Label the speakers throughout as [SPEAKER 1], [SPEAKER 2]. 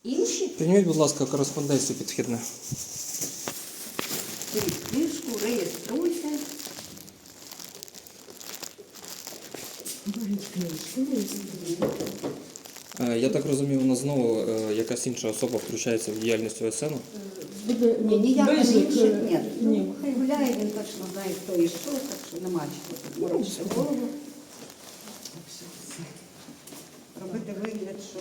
[SPEAKER 1] Інші?
[SPEAKER 2] Прийміть, будь ласка, кореспонденцію підхідне.
[SPEAKER 1] Беріть книжку, реєструйте. Беріть книжку, реєструйте.
[SPEAKER 2] Я так розумію, у нас знову якась інша особа включається в діяльність ОСН?
[SPEAKER 1] Ні, ніяка не
[SPEAKER 3] Бежик,
[SPEAKER 1] інша. Ні.
[SPEAKER 3] ні.
[SPEAKER 1] Ну, хай гуляє, він точно знає, хто і що, так що нема чого тут морочити голову. Так що все. Робити вигляд, що...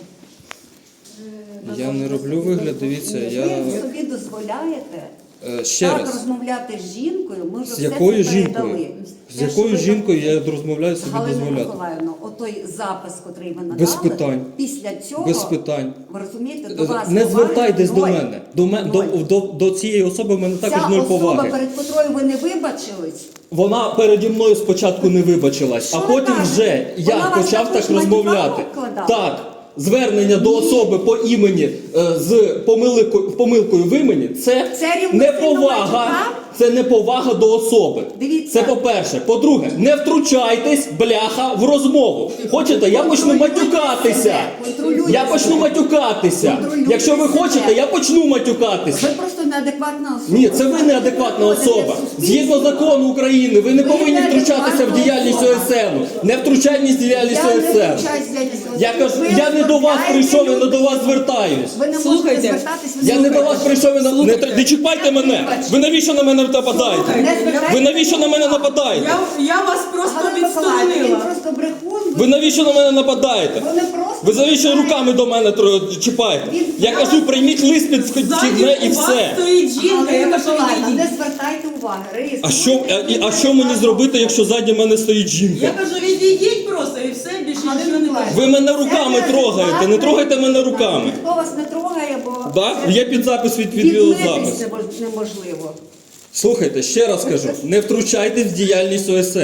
[SPEAKER 2] Я не роблю вигляд, дивіться,
[SPEAKER 1] Ви собі дозволяєте
[SPEAKER 2] ще
[SPEAKER 1] так
[SPEAKER 2] раз.
[SPEAKER 1] розмовляти з жінкою, ми вже
[SPEAKER 2] З
[SPEAKER 1] все
[SPEAKER 2] якою
[SPEAKER 1] це
[SPEAKER 2] жінкою?
[SPEAKER 1] передали.
[SPEAKER 2] З якою жінкою я розмовляю собі
[SPEAKER 1] Галина
[SPEAKER 2] дозволяти?
[SPEAKER 1] Миколаївна, отой запис, котрий ви надали,
[SPEAKER 2] Без питань.
[SPEAKER 1] після цього,
[SPEAKER 2] Без питань.
[SPEAKER 1] ви розумієте, до вас
[SPEAKER 2] Не
[SPEAKER 1] поваги
[SPEAKER 2] звертайтесь до
[SPEAKER 1] ноль.
[SPEAKER 2] мене.
[SPEAKER 1] Ноль.
[SPEAKER 2] До цієї особи в мене також
[SPEAKER 1] Ця
[SPEAKER 2] ноль
[SPEAKER 1] особа,
[SPEAKER 2] поваги.
[SPEAKER 1] перед котрою ви не вибачились,
[SPEAKER 2] Вона переді мною спочатку не вибачилась,
[SPEAKER 1] Що
[SPEAKER 2] а
[SPEAKER 1] ви
[SPEAKER 2] потім
[SPEAKER 1] кажете?
[SPEAKER 2] вже
[SPEAKER 1] Вона
[SPEAKER 2] я
[SPEAKER 1] вас
[SPEAKER 2] почав
[SPEAKER 1] також
[SPEAKER 2] так розмовляти.
[SPEAKER 1] матюками вкладала?
[SPEAKER 2] Так. Звернення до
[SPEAKER 1] Ні.
[SPEAKER 2] особи по імені з помилкою в імені це
[SPEAKER 1] рівноцінно
[SPEAKER 2] неповага.
[SPEAKER 1] матюкам?
[SPEAKER 2] Це неповага до особи.
[SPEAKER 1] Дивіться.
[SPEAKER 2] Це по-перше. По-друге, не втручайтесь, бляха, в розмову. Хочете, я почну
[SPEAKER 1] Контролюйте
[SPEAKER 2] матюкатися.
[SPEAKER 1] себе, контролюйте
[SPEAKER 2] Я почну
[SPEAKER 1] себе.
[SPEAKER 2] матюкатися.
[SPEAKER 1] Контролюйте
[SPEAKER 2] Якщо ви
[SPEAKER 1] себе.
[SPEAKER 2] хочете, я почну матюкатися.
[SPEAKER 1] ви просто неадекватна особа.
[SPEAKER 2] Ні, це ви неадекватна особа. Згідно закону України, ви не
[SPEAKER 1] Ви
[SPEAKER 2] повинні втручатися в
[SPEAKER 1] неадекватна
[SPEAKER 2] діяльність
[SPEAKER 1] особа.
[SPEAKER 2] ОСН. Не втручайтесь в діяльність
[SPEAKER 1] Я не
[SPEAKER 2] ОСН.
[SPEAKER 1] втручаюсь в діяльність
[SPEAKER 2] Я
[SPEAKER 1] ОСН.
[SPEAKER 2] кажу,
[SPEAKER 1] Ви
[SPEAKER 2] я не до вас
[SPEAKER 1] оскорбляєте
[SPEAKER 2] прийшов, я не до вас
[SPEAKER 1] людину.
[SPEAKER 2] звертаюсь.
[SPEAKER 1] Ви не можете
[SPEAKER 3] Слухайте,
[SPEAKER 1] звертатись, ви
[SPEAKER 2] Я не до вас прийшов, не чіпайте мене. Ви навіщо на мене нападаєте? Ви навіщо на мене нападаєте?
[SPEAKER 3] Я вас просто
[SPEAKER 1] Галина Миколаївна, він
[SPEAKER 3] відсторонила.
[SPEAKER 1] просто брехун.
[SPEAKER 2] Ви навіщо на мене нападаєте?
[SPEAKER 1] Ви не просто...
[SPEAKER 2] Ви навіщо руками до мене чіпаєте? Я кажу, прийміть лист під вхідне і
[SPEAKER 3] У вас
[SPEAKER 2] все.
[SPEAKER 3] стоїть жінка,
[SPEAKER 1] Галина
[SPEAKER 3] яка що
[SPEAKER 1] Миколаївна,
[SPEAKER 3] відійдіть.
[SPEAKER 1] не звертайте уваги.
[SPEAKER 2] А що мені зробити, якщо ззаді мене стоїть
[SPEAKER 3] Я
[SPEAKER 2] жінка?
[SPEAKER 3] кажу, відійдіть просто і все, більше
[SPEAKER 1] Галина
[SPEAKER 3] нічого не
[SPEAKER 1] Миколаївна,
[SPEAKER 3] кажу.
[SPEAKER 2] Ви мене руками трогаєте, не трогайте мене руками.
[SPEAKER 1] Ніхто вас не трогає, бо...
[SPEAKER 2] Да? Є підзапис від
[SPEAKER 1] Відмитися
[SPEAKER 2] відеозапису.
[SPEAKER 1] неможливо.
[SPEAKER 2] Слухайте, ще раз кажу, не втручайтесь в діяльність ОСН.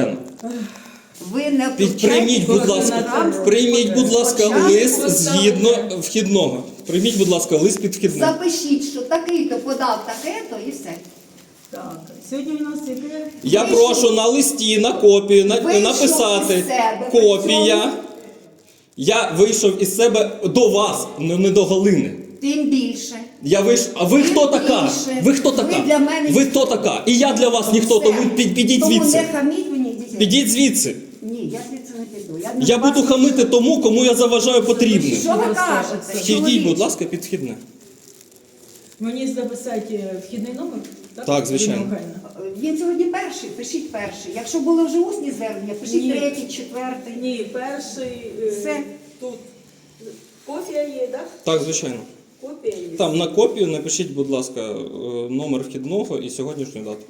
[SPEAKER 1] Ви не
[SPEAKER 2] Прийміть, будь ласка, прийміть, будь ласка, лист згідно вхідного. Прийміть, будь ласка, лист під вхідне.
[SPEAKER 1] Запишіть, що такий-то подав таке-то і все.
[SPEAKER 3] Так, сьогодні у нас яке?
[SPEAKER 2] Я прошу на листі, на копію
[SPEAKER 1] Вийшов
[SPEAKER 2] написати
[SPEAKER 1] із себе,
[SPEAKER 2] копія.
[SPEAKER 1] при цьому.
[SPEAKER 2] Я вийшов із себе до вас, не до Галини.
[SPEAKER 1] Тим більше.
[SPEAKER 2] Я вийшов. А ви хто така?
[SPEAKER 1] більше.
[SPEAKER 2] Ви хто така?
[SPEAKER 1] Ви для мене
[SPEAKER 2] Ви хто така? І я для вас ніхто,
[SPEAKER 1] Все.
[SPEAKER 2] тому підіть
[SPEAKER 1] Тому
[SPEAKER 2] звідси.
[SPEAKER 1] не хаміть мені дітей.
[SPEAKER 2] Підіть звідси.
[SPEAKER 1] Ні, я звідси не піду.
[SPEAKER 2] Я буду хамити тому, кому я заважаю потрібним.
[SPEAKER 1] Що ви кажете?
[SPEAKER 2] Підіть, будь ласка, під вхідне.
[SPEAKER 3] Мені записати вхідний номер?
[SPEAKER 2] Так, звичайно.
[SPEAKER 3] Ірина Михайлівна?
[SPEAKER 1] Він сьогодні перший, пишіть перший. Якщо були вже усні звернення, пишіть
[SPEAKER 3] Ні.
[SPEAKER 1] третій, четвертий.
[SPEAKER 3] Ні, перший
[SPEAKER 1] Все.
[SPEAKER 3] тут. Копія є, так?
[SPEAKER 2] Так, звичайно.
[SPEAKER 3] Копія є.
[SPEAKER 2] Там на копію напишіть, будь ласка, номер вхідного і сьогоднішню дату.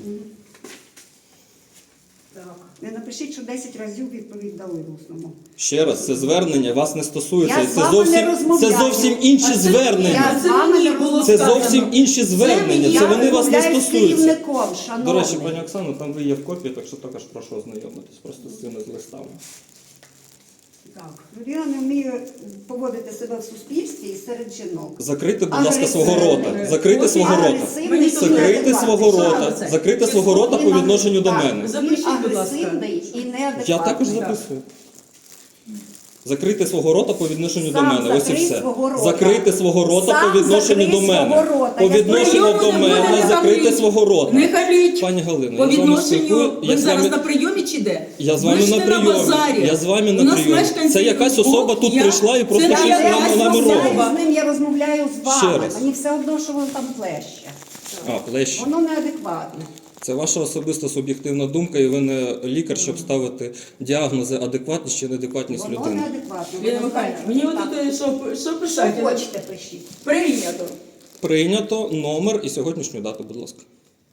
[SPEAKER 3] Так.
[SPEAKER 1] Не напишіть, що 10 разів відповідь дали в усному.
[SPEAKER 2] Ще раз, це звернення вас не стосується.
[SPEAKER 1] Я з вами не розмовляю.
[SPEAKER 2] Це зовсім інші
[SPEAKER 3] А це
[SPEAKER 2] звернення.
[SPEAKER 1] Я з
[SPEAKER 3] Це
[SPEAKER 1] вами
[SPEAKER 3] мені
[SPEAKER 1] не
[SPEAKER 3] було
[SPEAKER 2] Це
[SPEAKER 3] сказано.
[SPEAKER 2] зовсім інші звернення. Це вони вас не
[SPEAKER 1] Я розмовляю з
[SPEAKER 2] стосуються.
[SPEAKER 1] керівником, шановний.
[SPEAKER 2] До речі, пані Оксано, там ви є в копії, так що також прошу ознайомитись просто з цими листами.
[SPEAKER 1] Так, людина не вміє поводити себе в суспільстві і серед жінок.
[SPEAKER 2] Закрийте, будь ласка,
[SPEAKER 1] Агресивний.
[SPEAKER 2] свого рота. Закрийте
[SPEAKER 3] Ось
[SPEAKER 2] свого рота.
[SPEAKER 1] Агресивний
[SPEAKER 3] Мені
[SPEAKER 1] і
[SPEAKER 2] Закрийте
[SPEAKER 1] неадекватний.
[SPEAKER 2] свого рота.
[SPEAKER 3] Пожалуйста.
[SPEAKER 2] Закрийте свого рота по відношенню до
[SPEAKER 1] Так.
[SPEAKER 2] мене.
[SPEAKER 3] Запишіть,
[SPEAKER 1] Він
[SPEAKER 3] будь ласка.
[SPEAKER 1] агресивний і неадекватний.
[SPEAKER 2] Я також записую. Закрийте свого рота по відношенню до
[SPEAKER 1] Сам
[SPEAKER 2] мене. Ось і
[SPEAKER 1] закрий
[SPEAKER 2] все.
[SPEAKER 1] свого рота.
[SPEAKER 2] Закрийте свого рота
[SPEAKER 1] Сам
[SPEAKER 2] по відношенню
[SPEAKER 1] закрий
[SPEAKER 2] до мене.
[SPEAKER 1] свого рота.
[SPEAKER 2] По
[SPEAKER 1] Я
[SPEAKER 2] відношенню
[SPEAKER 3] Прийому
[SPEAKER 2] до
[SPEAKER 3] не буде,
[SPEAKER 2] мене
[SPEAKER 3] не
[SPEAKER 2] закрийте
[SPEAKER 3] хаміть.
[SPEAKER 2] свого рота.
[SPEAKER 3] Не халіть.
[SPEAKER 2] Пані Галино,
[SPEAKER 3] По
[SPEAKER 2] я з вами
[SPEAKER 3] відношенню,
[SPEAKER 2] спілкую.
[SPEAKER 3] ви зараз на прийомі чи де?
[SPEAKER 2] Я з вами
[SPEAKER 3] Ви ж
[SPEAKER 2] на
[SPEAKER 3] не
[SPEAKER 2] прийомі.
[SPEAKER 3] базарі.
[SPEAKER 2] Я з вами
[SPEAKER 3] У
[SPEAKER 2] на
[SPEAKER 3] нас
[SPEAKER 2] прийомі.
[SPEAKER 3] мешканці
[SPEAKER 2] Це якась особа тут
[SPEAKER 3] я-
[SPEAKER 2] прийшла і просто
[SPEAKER 3] це
[SPEAKER 2] щось
[SPEAKER 3] не
[SPEAKER 2] нам
[SPEAKER 3] якась
[SPEAKER 2] намировала.
[SPEAKER 3] особа.
[SPEAKER 1] З ним я розмовляю з вами.
[SPEAKER 2] Ще раз.
[SPEAKER 1] Мені все одно, що воно там плеще.
[SPEAKER 2] А, плещ.
[SPEAKER 1] Воно неадекватне.
[SPEAKER 2] Це ваша особиста суб'єктивна думка, і ви не лікар, щоб ставити діагнози адекватність чи неадекватність
[SPEAKER 1] Воно
[SPEAKER 2] людини.
[SPEAKER 1] неадекватне.
[SPEAKER 3] Ірина
[SPEAKER 1] Воно
[SPEAKER 3] Михайлівна,
[SPEAKER 1] так.
[SPEAKER 3] мені
[SPEAKER 1] Так.
[SPEAKER 3] отут що
[SPEAKER 1] Що
[SPEAKER 3] писати?
[SPEAKER 1] хочете, пишіть.
[SPEAKER 3] Прийнято.
[SPEAKER 2] Прийнято номер і сьогоднішню дату, будь ласка.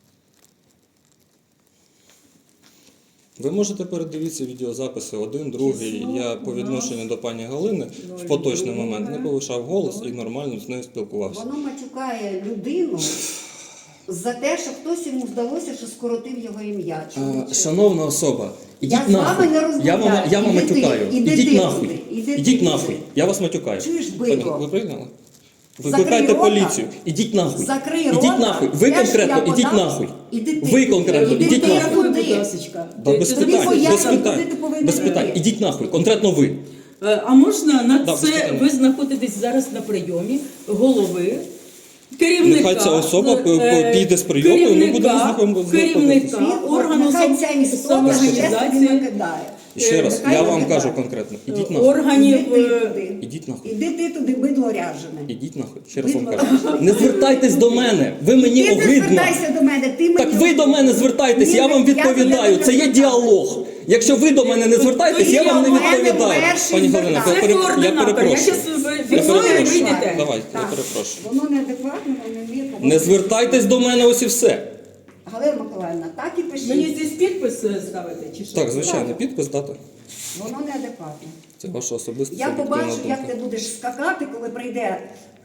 [SPEAKER 2] Ви можете передивитися відеозаписи один, другий. Я по відношенню до пані Галини в поточний момент не повишав голос і нормально з нею спілкувався.
[SPEAKER 1] Воно матюкає людину за те, що хтось йому здалося, що скоротив його ім'я.
[SPEAKER 2] Шановна особа,
[SPEAKER 1] Я
[SPEAKER 2] ідіть
[SPEAKER 1] з вами
[SPEAKER 2] нахуй.
[SPEAKER 1] не розмовляю.
[SPEAKER 2] Я вам
[SPEAKER 1] Іди ти,
[SPEAKER 2] матюкаю.
[SPEAKER 1] іди
[SPEAKER 2] Ідіть
[SPEAKER 1] ти
[SPEAKER 2] нахуй.
[SPEAKER 1] сюди, іди ти
[SPEAKER 2] Ідіть
[SPEAKER 1] сюди.
[SPEAKER 2] нахуй. Я вас матюкаю.
[SPEAKER 1] Чуєш,
[SPEAKER 2] Пані,
[SPEAKER 1] бидло?
[SPEAKER 2] ви прийняли?
[SPEAKER 1] Закрий
[SPEAKER 2] Викликайте
[SPEAKER 1] рота.
[SPEAKER 2] поліцію. Ідіть нахуй.
[SPEAKER 1] Закрий
[SPEAKER 2] Ідіть
[SPEAKER 1] рота.
[SPEAKER 2] нахуй. Ви
[SPEAKER 1] Я ж
[SPEAKER 2] конкретно
[SPEAKER 1] я
[SPEAKER 2] ідіть
[SPEAKER 1] подам.
[SPEAKER 2] нахуй.
[SPEAKER 1] Іди ти.
[SPEAKER 2] Ви конкретно
[SPEAKER 1] Іди
[SPEAKER 2] ідіть
[SPEAKER 1] ти,
[SPEAKER 2] нахуй.
[SPEAKER 1] куди?
[SPEAKER 3] Будь ласочка.
[SPEAKER 2] Да, без
[SPEAKER 3] Ти-
[SPEAKER 2] питань,
[SPEAKER 1] пояснюй,
[SPEAKER 2] без
[SPEAKER 1] куди
[SPEAKER 2] питань.
[SPEAKER 1] ти повинен
[SPEAKER 2] Без питань.
[SPEAKER 1] йти.
[SPEAKER 2] Ідіть нахуй. Конкретно ви.
[SPEAKER 3] А можна на
[SPEAKER 2] Да, без
[SPEAKER 3] це
[SPEAKER 2] питань.
[SPEAKER 3] ви знаходитесь зараз на прийомі голови, керівника,
[SPEAKER 2] Нехай ця особа піде з прийому, і ми будемо знаходитися.
[SPEAKER 3] керівника органу
[SPEAKER 1] Нехай ця історія ще собі
[SPEAKER 3] самоорганізації,
[SPEAKER 1] накидає.
[SPEAKER 2] І ще раз,
[SPEAKER 1] Нехай
[SPEAKER 2] я вам
[SPEAKER 1] накидає.
[SPEAKER 2] кажу конкретно, ідіть нахуй.
[SPEAKER 3] органів.
[SPEAKER 1] Іди ти туди.
[SPEAKER 2] Ідіть нахуй.
[SPEAKER 1] Іди ти туди, бидло ряжене.
[SPEAKER 2] Ідіть нахуй. Ще раз вам кажу. Не звертайтесь до мене. Ви мені
[SPEAKER 1] Ти не
[SPEAKER 2] огидно.
[SPEAKER 1] звертайся до мене, ти мені
[SPEAKER 2] Так ви до мене звертайтесь, я вам відповідаю. Це є діалог. Якщо ви до мене не звертаєтесь, я вам не відповідаю. Пані Галина,
[SPEAKER 3] Це
[SPEAKER 2] я
[SPEAKER 3] координатор. Я
[SPEAKER 2] перепрошую.
[SPEAKER 3] зараз
[SPEAKER 2] Я
[SPEAKER 3] фіксую і
[SPEAKER 2] перепрошую.
[SPEAKER 3] вийдете.
[SPEAKER 2] Давайте, я
[SPEAKER 1] Так.
[SPEAKER 2] перепрошую.
[SPEAKER 1] Воно неадекватно, воно не вміє поводитися.
[SPEAKER 2] Не звертайтесь до мене, ось і все.
[SPEAKER 1] Галина Миколаївна, так і пишіть.
[SPEAKER 3] Мені здесь підпис ставити чи що?
[SPEAKER 2] Так, звичайно, підпис, дата.
[SPEAKER 1] Воно неадекватно.
[SPEAKER 2] Це ваша особиста
[SPEAKER 1] Я
[SPEAKER 2] суб'єктивна
[SPEAKER 1] побачу, як
[SPEAKER 2] думка.
[SPEAKER 1] ти будеш скакати, коли прийде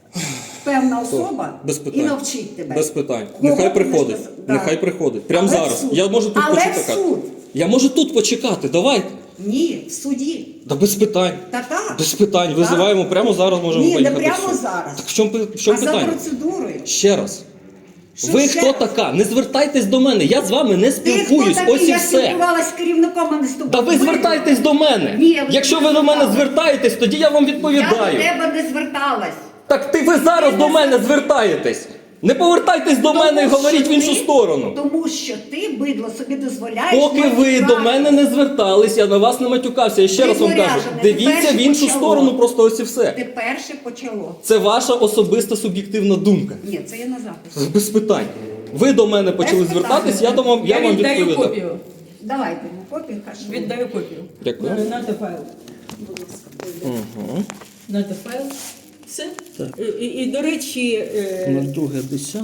[SPEAKER 1] певна особа
[SPEAKER 2] Без
[SPEAKER 1] і
[SPEAKER 2] питань.
[SPEAKER 1] навчить тебе.
[SPEAKER 2] Без питань.
[SPEAKER 1] Кого
[SPEAKER 2] Нехай
[SPEAKER 1] ти
[SPEAKER 2] приходить.
[SPEAKER 1] будеш писати? Да.
[SPEAKER 2] Нехай приходить. Прямо
[SPEAKER 1] Але в
[SPEAKER 2] зараз.
[SPEAKER 1] суд.
[SPEAKER 2] Я можу тут
[SPEAKER 1] Але в
[SPEAKER 2] почекати.
[SPEAKER 1] суд.
[SPEAKER 2] Я можу тут почекати. Давайте.
[SPEAKER 1] Ні, в суді.
[SPEAKER 2] Та без питань.
[SPEAKER 1] Та так.
[SPEAKER 2] Без питань.
[SPEAKER 1] Так.
[SPEAKER 2] Визиваємо прямо зараз, можемо
[SPEAKER 1] Ні, не
[SPEAKER 2] поїхати.
[SPEAKER 1] прямо
[SPEAKER 2] в суд.
[SPEAKER 1] зараз.
[SPEAKER 2] Так в чому
[SPEAKER 1] А за
[SPEAKER 2] питання?
[SPEAKER 1] процедурою.
[SPEAKER 2] Ще раз.
[SPEAKER 1] Що
[SPEAKER 2] Ви
[SPEAKER 1] ще
[SPEAKER 2] хто
[SPEAKER 1] раз?
[SPEAKER 2] така? Не звертайтесь до мене. Я з вами не
[SPEAKER 1] Ти хто
[SPEAKER 2] спілкуюсь.
[SPEAKER 1] такий?
[SPEAKER 2] Ось і
[SPEAKER 1] Я
[SPEAKER 2] все.
[SPEAKER 1] спілкувалась з керівником, а не з тобою.
[SPEAKER 2] Та ви звертайтесь до мене.
[SPEAKER 1] Ні, ви
[SPEAKER 2] Якщо
[SPEAKER 1] не
[SPEAKER 2] ви до мене
[SPEAKER 1] звертались.
[SPEAKER 2] звертаєтесь, тоді я вам
[SPEAKER 1] Я до
[SPEAKER 2] відповідаю.
[SPEAKER 1] тебе не зверталась.
[SPEAKER 2] Так ви зараз до мене звертаєтесь. Не повертайтесь до мене і
[SPEAKER 1] Тому
[SPEAKER 2] говоріть
[SPEAKER 1] що
[SPEAKER 2] в іншу
[SPEAKER 1] ти-
[SPEAKER 2] сторону.
[SPEAKER 1] Тому що ти, бидло, собі дозволяєш...
[SPEAKER 2] Поки ви
[SPEAKER 1] матюкати.
[SPEAKER 2] до мене не звертались, я на вас не матюкався. Я ще раз вам кажу,
[SPEAKER 1] Виворяжене,
[SPEAKER 2] дивіться
[SPEAKER 1] тепер
[SPEAKER 2] в іншу
[SPEAKER 1] почало.
[SPEAKER 2] сторону, просто ось і все.
[SPEAKER 1] Ти перше почало.
[SPEAKER 2] Це ваша особиста суб'єктивна думка.
[SPEAKER 1] Ні, це є на записі.
[SPEAKER 2] Без питань. Ви до мене почали
[SPEAKER 1] Без питань.
[SPEAKER 2] звертатись, я вам
[SPEAKER 3] віддаю
[SPEAKER 2] відповідаю.
[SPEAKER 3] копію.
[SPEAKER 1] Давайте, копію хаш.
[SPEAKER 3] Віддаю копію.
[SPEAKER 2] Дякую.
[SPEAKER 3] Нате файл. Будь ласка.
[SPEAKER 2] Угу.
[SPEAKER 3] Нате файл. Все. І, до речі,
[SPEAKER 2] 02.10.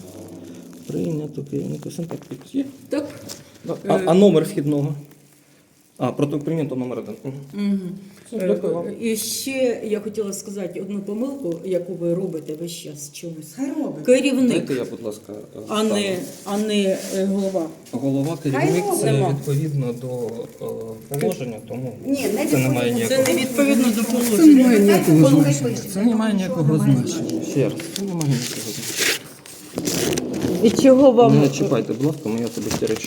[SPEAKER 2] Прийнято керівника Сентак підпис є?
[SPEAKER 3] так.
[SPEAKER 2] А номер вхідного? Протокол прийнято номер 1. Все, дякую вам.
[SPEAKER 3] І ще я хотіла сказати одну помилку, яку ви робите весь час чомусь.
[SPEAKER 1] Хай робить.
[SPEAKER 3] Керівник,
[SPEAKER 2] Дайте я, будь ласка,
[SPEAKER 3] а не голова.
[SPEAKER 2] голова керівник
[SPEAKER 1] Хай
[SPEAKER 2] це
[SPEAKER 3] робить.
[SPEAKER 2] відповідно до положення, тому
[SPEAKER 1] Ні, не
[SPEAKER 2] це не має
[SPEAKER 1] відповідно.
[SPEAKER 3] Це не відповідно до
[SPEAKER 2] Це не
[SPEAKER 3] положення.
[SPEAKER 2] має ніякого
[SPEAKER 1] Хай
[SPEAKER 2] значення.
[SPEAKER 1] пише.
[SPEAKER 2] Це не має ніякого
[SPEAKER 1] Нічого немає
[SPEAKER 2] значення. Ще раз, це не має ніякого значення.
[SPEAKER 3] І чого вам
[SPEAKER 2] Не чіпайте, будь ласка, мої особисті речі.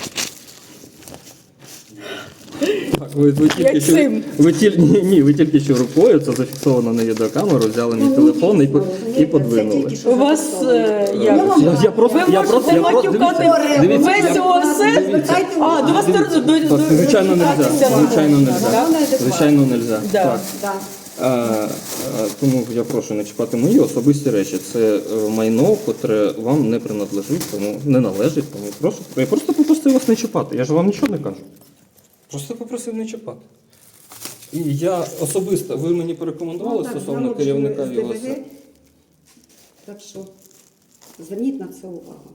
[SPEAKER 2] Так, ви тільки
[SPEAKER 3] Як
[SPEAKER 2] що,
[SPEAKER 3] цим.
[SPEAKER 2] ви тільки що рукою, це зафіксовано на відеокамеру, взяли мій телефон і подвинули.
[SPEAKER 3] у вас як?
[SPEAKER 2] Я просто,
[SPEAKER 3] Ви можете матюкати
[SPEAKER 2] дивіться,
[SPEAKER 3] весь
[SPEAKER 2] я-
[SPEAKER 3] ОСС? А, до вас
[SPEAKER 2] Так, звичайно, нельзя. Звичайно, нельзя.
[SPEAKER 3] Так?
[SPEAKER 2] Звичайно, нельзя.
[SPEAKER 3] Да.
[SPEAKER 2] Так.
[SPEAKER 1] Так.
[SPEAKER 2] Тому я прошу не чіпати мої особисті речі. Це майно, котре вам не принадлежить, тому не належить. Тому я просто попросив вас не чіпати. Я ж вам нічого не кажу. Просто попросив не чіпати. І я особисто, ви мені порекомендували стосовно керівника ЮЛС?
[SPEAKER 1] Так що, зверніть на це увагу.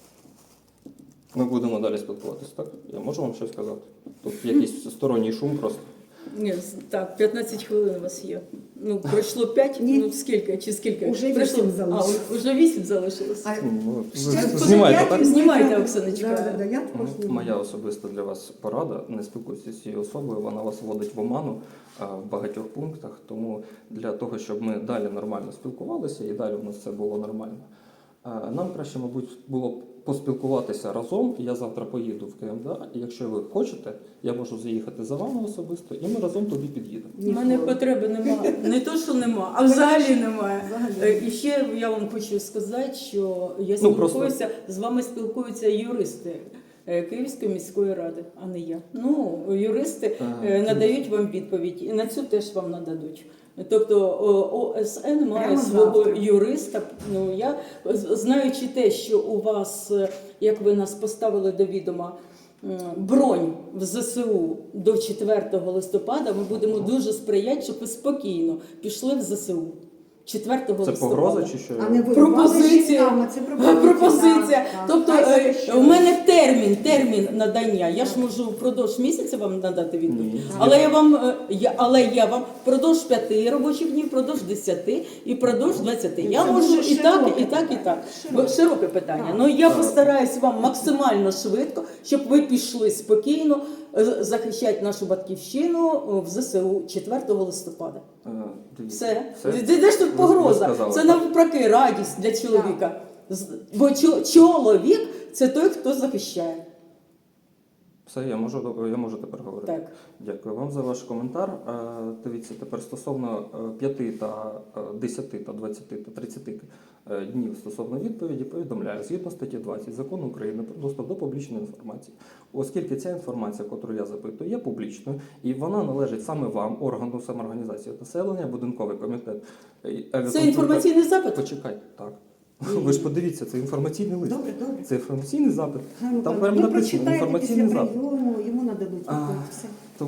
[SPEAKER 2] Ми будемо далі спілкуватися, так? Я можу вам щось сказати? Тут якийсь сторонній шум просто.
[SPEAKER 3] Ні, так, 15 хвилин у вас є. Ну, пройшло 5,
[SPEAKER 1] Ні.
[SPEAKER 3] ну скільки, чи скільки?
[SPEAKER 1] Уже
[SPEAKER 3] Пройшло?
[SPEAKER 1] 8 залишилось.
[SPEAKER 3] Уже 8 залишилось.
[SPEAKER 1] А
[SPEAKER 2] Ну,
[SPEAKER 1] ще
[SPEAKER 2] ви
[SPEAKER 1] тут
[SPEAKER 2] знімаєте,
[SPEAKER 1] я-
[SPEAKER 2] так?
[SPEAKER 3] Знімайте, Оксаночка.
[SPEAKER 1] Да, я також знімаю.
[SPEAKER 2] Моя особиста для вас порада. Не спілкуйтеся з цією особою, вона вас вводить в оману в багатьох пунктах. Тому для того, щоб ми далі нормально спілкувалися і далі у нас все було нормально, нам краще, мабуть, було б поспілкуватися разом. Я завтра поїду в КМДА, і якщо ви хочете, я можу заїхати за вами особисто, і ми разом туди під'їдемо.
[SPEAKER 3] У мене потреби немає. Не то, що нема, а взагалі немає. І ще я вам хочу сказати, що я спілкуюся, з вами спілкуються юристи Київської міської ради, а не я. Ну, юристи надають вам відповідь, і на цю теж вам нададуть. Тобто ОСН має
[SPEAKER 1] Прямо
[SPEAKER 3] свого
[SPEAKER 1] завтра.
[SPEAKER 3] юриста. Ну, я, знаючи те, що у вас, як ви нас поставили до відома, бронь в ЗСУ до 4 листопада, ми будемо дуже сприяти, щоб ви спокійно пішли в ЗСУ. 4
[SPEAKER 2] Це
[SPEAKER 3] листопада.
[SPEAKER 2] погроза чи що?
[SPEAKER 1] А не ви
[SPEAKER 3] Пропозиція.
[SPEAKER 1] це
[SPEAKER 3] Пропозиція.
[SPEAKER 1] Так,
[SPEAKER 3] Тобто
[SPEAKER 1] так. Хай захищає.
[SPEAKER 3] у мене термін надання. Я ж можу впродовж місяця вам надати відповідь.
[SPEAKER 2] Ні.
[SPEAKER 3] Але я вам впродовж 5 робочих днів, впродовж 10 і впродовж 20. Я
[SPEAKER 1] Це
[SPEAKER 3] можу
[SPEAKER 1] дуже
[SPEAKER 3] і так,
[SPEAKER 1] широке
[SPEAKER 3] і так, і так.
[SPEAKER 1] Широке.
[SPEAKER 3] Широке питання. Ну я постараюсь вам максимально швидко, щоб ви пішли спокійно захищати нашу батьківщину в ЗСУ 4 листопада.
[SPEAKER 2] Дивіться,
[SPEAKER 3] Все. Де ж тут погроза?
[SPEAKER 2] сказали,
[SPEAKER 3] Це
[SPEAKER 2] так.
[SPEAKER 3] навпаки радість для чоловіка. Бо чоловік це той, хто захищає.
[SPEAKER 2] Все, я можу тепер говорити.
[SPEAKER 3] Так.
[SPEAKER 2] Дякую вам за ваш коментар. Дивіться, тепер стосовно 5 та 10 та 20 та 30 днів стосовно відповіді повідомляю, згідно статті 20 Закону України про доступ до публічної інформації, оскільки ця інформація, яку я запитую, є публічною, і вона належить саме вам, органу самоорганізації населення, будинковий комітет.
[SPEAKER 3] Це інформаційний запит?
[SPEAKER 2] Почекайте, так. Ви ж подивіться, це інформаційний лист.
[SPEAKER 1] Добре.
[SPEAKER 2] Це інформаційний запит.
[SPEAKER 1] Ну,
[SPEAKER 2] Там
[SPEAKER 1] ви
[SPEAKER 2] прямо написано
[SPEAKER 1] прочитаєте
[SPEAKER 2] інформаційний
[SPEAKER 1] після
[SPEAKER 2] запит.
[SPEAKER 1] прийому, йому нададуть відповідь. Все.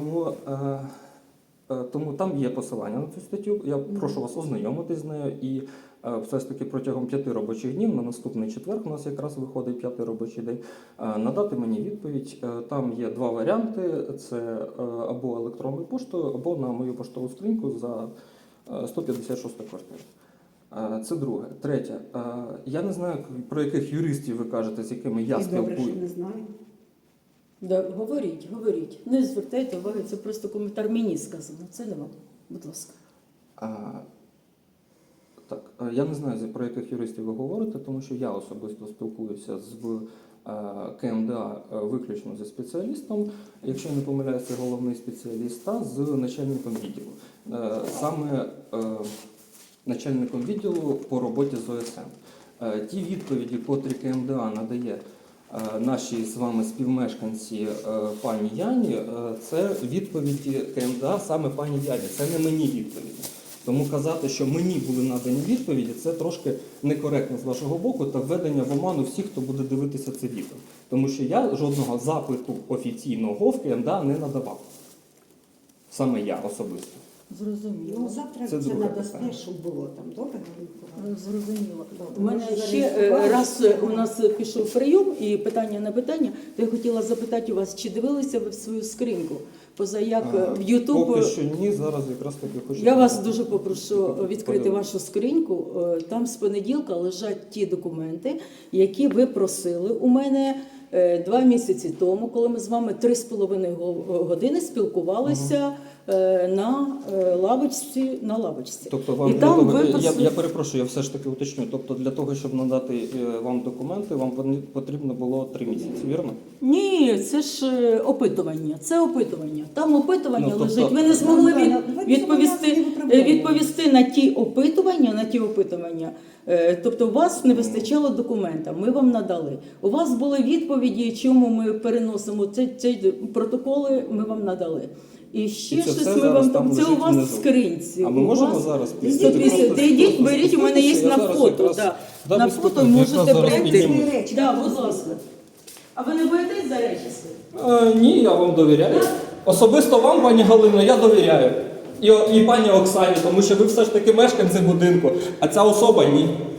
[SPEAKER 2] Тому там є посилання на цю статтю. Я прошу вас ознайомитись з нею і все ж таки протягом 5 робочих днів, на наступний четвер, у нас якраз виходить 5-й робочий день, надати мені відповідь. Там є 2 варіанти: це або електронною поштою, або на мою поштову скриньку за 156 квартиру. Це друге. Третє. Я не знаю, про яких юристів ви кажете, з якими я
[SPEAKER 1] І добре,
[SPEAKER 2] спілкуюся.
[SPEAKER 1] що не знаю.
[SPEAKER 3] Да, говоріть. Не звертайте уваги, це просто коментар мені сказано. Це не вам. Будь ласка.
[SPEAKER 2] Так, я не знаю, про яких юристів ви говорите, тому що я особисто спілкуюся з КМДА виключно зі спеціалістом, якщо я не помиляюся, це головний спеціаліст, та з начальником відділу. Саме начальником відділу по роботі з ОСМ. Ті відповіді, котрі КМДА надає нашій з вами співмешканці пані Яні, це відповіді КМДА саме пані Яні, це не мені відповіді. Тому казати, що мені були надані відповіді, це трошки некоректно з вашого боку та введення в оману всіх, хто буде дивитися це відео. Тому що я жодного запиту офіційного в КМДА не надавав. Саме я особисто.
[SPEAKER 3] Зрозуміло.
[SPEAKER 1] Ну, завтра
[SPEAKER 2] Це
[SPEAKER 1] це
[SPEAKER 2] друге
[SPEAKER 1] надасте,
[SPEAKER 2] питання.
[SPEAKER 1] щоб було там. Добре?
[SPEAKER 3] Зрозуміло.
[SPEAKER 1] Добре.
[SPEAKER 3] У мене
[SPEAKER 1] Може,
[SPEAKER 3] ще
[SPEAKER 1] зареєстрували?
[SPEAKER 3] раз у нас пішов прийом і питання на питання, то я хотіла запитати у вас, чи дивилися ви в свою скриньку? Поза як в YouTube...
[SPEAKER 2] Поки що ні, зараз якраз таки хочу...
[SPEAKER 3] Я вас дуже попрошу відкрити
[SPEAKER 2] Подивимось.
[SPEAKER 3] вашу скриньку. Там з понеділка лежать ті документи, які ви просили у мене 2 місяці тому, коли ми з вами 3,5 години спілкувалися на лавочці.
[SPEAKER 2] Тобто вам
[SPEAKER 3] І
[SPEAKER 2] для
[SPEAKER 3] там
[SPEAKER 2] того,
[SPEAKER 3] ви
[SPEAKER 2] я перепрошую, я все ж таки уточню. Тобто для того, щоб надати вам документи, вам потрібно було 3 місяці, вірно?
[SPEAKER 3] Ні, це ж опитування. Це опитування. Там опитування
[SPEAKER 2] Ну, тобто-
[SPEAKER 3] лежить. Ви не змогли
[SPEAKER 1] Давайте
[SPEAKER 3] відповісти на ті опитування. Тобто у вас не вистачало документа, ми вам надали. У вас були відповіді, чому ми переносимо ці протоколи, ми вам надали. І ще
[SPEAKER 2] І це
[SPEAKER 3] щось
[SPEAKER 2] все
[SPEAKER 3] ми
[SPEAKER 2] зараз
[SPEAKER 3] вам
[SPEAKER 2] там
[SPEAKER 3] це у
[SPEAKER 2] лежить
[SPEAKER 3] вас
[SPEAKER 2] внизу.
[SPEAKER 3] в скринці.
[SPEAKER 2] А ми
[SPEAKER 3] У
[SPEAKER 2] можемо
[SPEAKER 3] вас-
[SPEAKER 2] зараз
[SPEAKER 3] Йдіть, беріть, у мене є на фото. Да. На фото можете прийти. Да, будь ласка. А ви не боїтесь за речі свої?
[SPEAKER 2] Ні, я вам довіряю. Особисто вам, пані Галино, я довіряю. І пані Оксані, тому що ви все ж таки мешканці будинку, а ця особа ні.